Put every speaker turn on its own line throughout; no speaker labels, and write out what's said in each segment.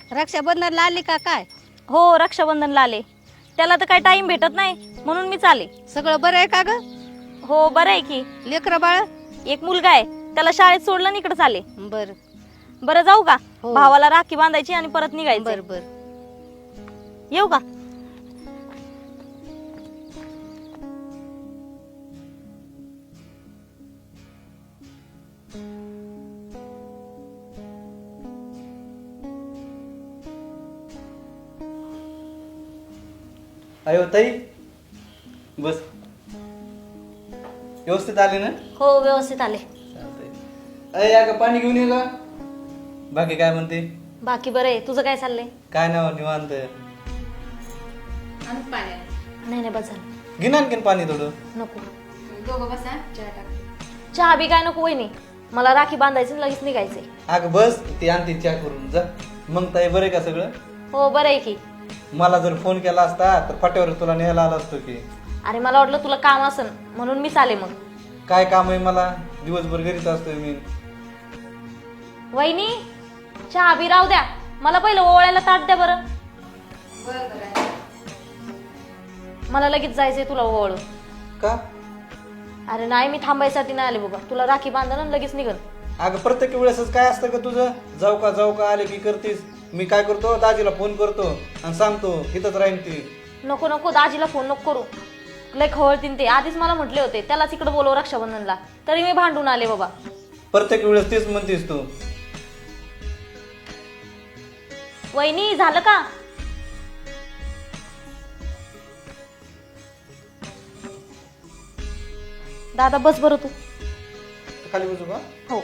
रक्षाबंधनला आली का काय?
हो रक्षाबंधनला आले. त्याला तर काही टाइम भेटत नाही म्हणून मी चाले.
सगळं बरं आहे का ग?
हो बरं आहे की.
लेकरं बाळ?
एक मुलगा आहे, त्याला शाळेत सोडलं आणि इकडे चाले.
बर
बरं जाऊ का?
हो.
भावाला राखी बांधायची आणि परत निघायचं.
बर बर.
येऊ का?
अयो ताई बस. व्यवस्थित आले ना?
हो व्यवस्थित आले.
चालतंय. अय या पाणी घेऊन ये का? बाकी काय म्हणते?
बाकी बरं आहे. तुझं काय चाललंय?
काय नाव निवांत.
नाही नाही बस झालं.
घे ना आणखीन पाणी थोडं.
नको. चहा बी काय नको वहिनी. मला राखी बांधायची लगेच निघायचंय.
अगं बस ती आणते चहा करून जा. मग ताई बरं आहे का सगळं?
हो बरं आहे की.
मला जर फोन केला असता तर फाट्यावर तुला न्यायला आला असतो की.
अरे मला वाटलं तुला काम असन म्हणून मी चाले. मग
काय काम आहे मला? दिवसभर घरीच असतोय मी.
वहिनी चहा बी राहू द्या. मला पहिलं ओवाळायला ताट द्या बरं. मला लगेच जायचंय तुला ओवाळून.
का?
अरे नाही मी थांबायसाठी नाही आले बाबा. तुला राखी बांधन आणि लगेच निघन.
अगं प्रत्येक वेळेसच काय असतं का तुझं? जाऊ का आले की करतीस. मी काय करतो दाजीला फोन करतो आणि सांगतो इथंच राहीन ती.
नको नको दाजीला फोन नको करू. लय खवळतीन ते. आधीच मला म्हटले होते त्यालाच इकडे बोलव रक्षाबंधनला. तरी मी भांडून आले बाबा.
प्रत्येक वेळेस तेच म्हणतीस तू.
वहिनी झालं का? दादा बस बरं तू.
खाली बसू का?
हो.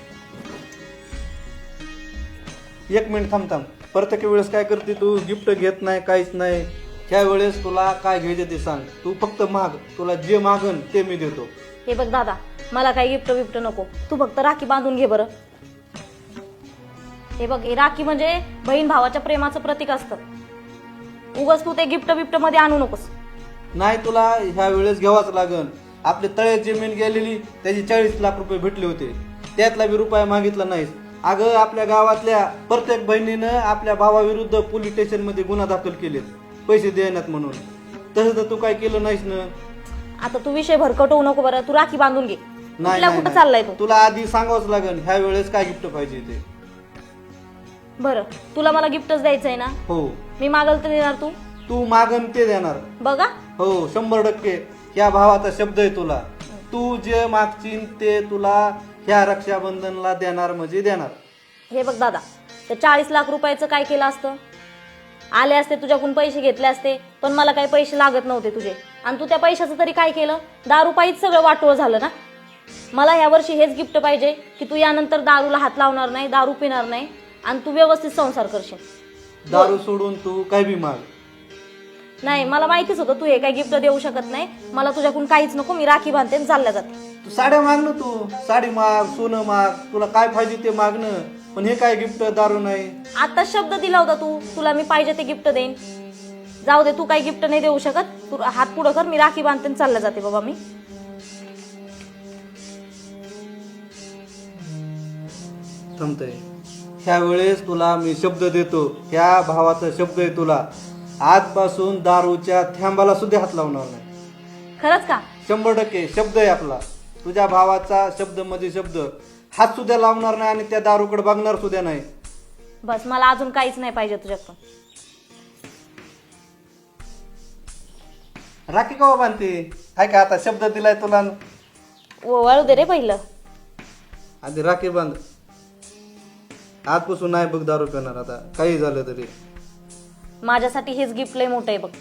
एक मिनिट थांब. प्रत्येक वेळेस काय करते तू? गिफ्ट घेत नाही काहीच नाही. ह्या वेळेस तुला काय घ्यायचं ते सांग. तू फक्त माग. तुला जे मागन ते मी देतो.
हे बघ दादा मला काही गिफ्ट बिफ्ट नको. तू फक्त राखी बांधून घे बरं. हे बघ हे राखी म्हणजे बहीण भावाच्या प्रेमाचं प्रतीक असतं. उगाच तू ते गिफ्ट बिफ्ट मध्ये आणू नकोस.
नाही तुला ह्या वेळेस घ्यावाच लागन. आपले तळ्यात जमीन गेलेली त्याची 40 लाख रुपये भेटले होते. त्यातला बी रुपया मागितला नाहीस. अगं आपल्या गावातल्या प्रत्येक बहिणीनं आपल्या भावाविरुद्ध पोलीस स्टेशन मध्ये गुन्हा दाखल केलेत पैसे देण्यात म्हणून. तसं तर तू काय केलं नाहीस ना.
आता तू विषय भरकट होऊ नको बरं. तू राखी बांधून घे.
नाही
कुठं चाललाय तू?
तुला आधी सांगावंच लागन ह्या वेळेस काय गिफ्ट पाहिजे ते.
बरं तुला मला गिफ्टच द्यायचंय ना?
हो.
मी मागल तर देणार तू?
तू मागन ते देणार.
बघा.
हो 100%. ह्या भावाचा शब्द आहे तुला. तू जे मागशील ते तुला ह्या रक्षाबंधनला देणार म्हणजे देणार.
हे बघ दादा ते 40 लाख रुपयाचं काय केलं असतं? आले असते तुझ्याकडून पैसे घेतले असते पण मला काही पैसे लागत नव्हते तुझे. आणि तू त्या पैशाचं तरी काय केलं? दारू पायीच सगळं वाटोळ झालं ना. मला ह्या वर्षी हेच गिफ्ट पाहिजे की तू यानंतर दारूला हात लावणार नाही, दारू पिणार नाही आणि तू व्यवस्थित संसार करशील.
दारू सोडून तू काय बी माग.
नाही मला माहितीच होतं तू हे काही गिफ्ट देऊ शकत नाही. मला तुझ्याकडून काहीच नको. मी राखी बांधते आणि चालल्या जाते.
तू साड्या माग ना. तू साडी माग, सोनं माग, तुला काय पाहिजे ते मागणं. पण हे काय गिफ्ट? दारू नाही.
आता शब्द दिला होता तू तुला मी पाहिजे ते गिफ्ट देईन. जाऊ दे तू काही गिफ्ट नाही देऊ शकत. तू हात पुढं कर. मी राखी बांधते आणि चालल्या जाते बाबा मी.
थांबतय. ह्या वेळेस तुला मी शब्द देतो. ह्या भावाचा शब्द आहे तुला. आजपासून दारूच्या थेंबाला सुद्धा हात लावणार नाही.
खरंच का?
100% शब्द आहे आपला. तुझ्या भावाचा शब्द मध्ये शब्द. हात सुद्धा लावणार नाही आणि त्या दारूकडे बघणार सुद्धा नाही.
बस मला अजून काहीच नाही पाहिजे तुझ्याकडून.
राखी कवा बांधते? काय का आता शब्द दिलाय तुला.
वळू दे रे पहिलं.
आधी राखी बांध. आजपासून नाही बघ दारू पिणार आता काही झालं तरी.
माझ्यासाठी हेच गिफ्ट लय मोठं आहे बघ.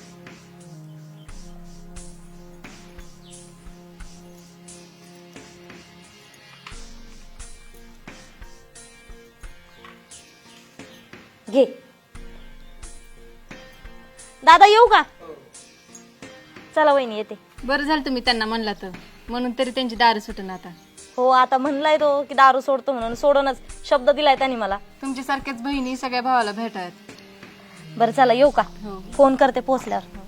घे. दादा येऊ का? चला वहिनी येते.
बरं झालं तुम्ही त्यांना म्हणला तर. म्हणून तरी त्यांची दारू सुटून आता.
हो आता म्हणलाय तो की दारू सोडतो म्हणून. सोडूनच शब्द दिलाय त्यांनी मला.
तुमच्यासारख्याच बहिणी सगळ्या भावाला भेटायत.
बरं चला येऊ का?
हो.
फोन करते पोहोचल्यावर.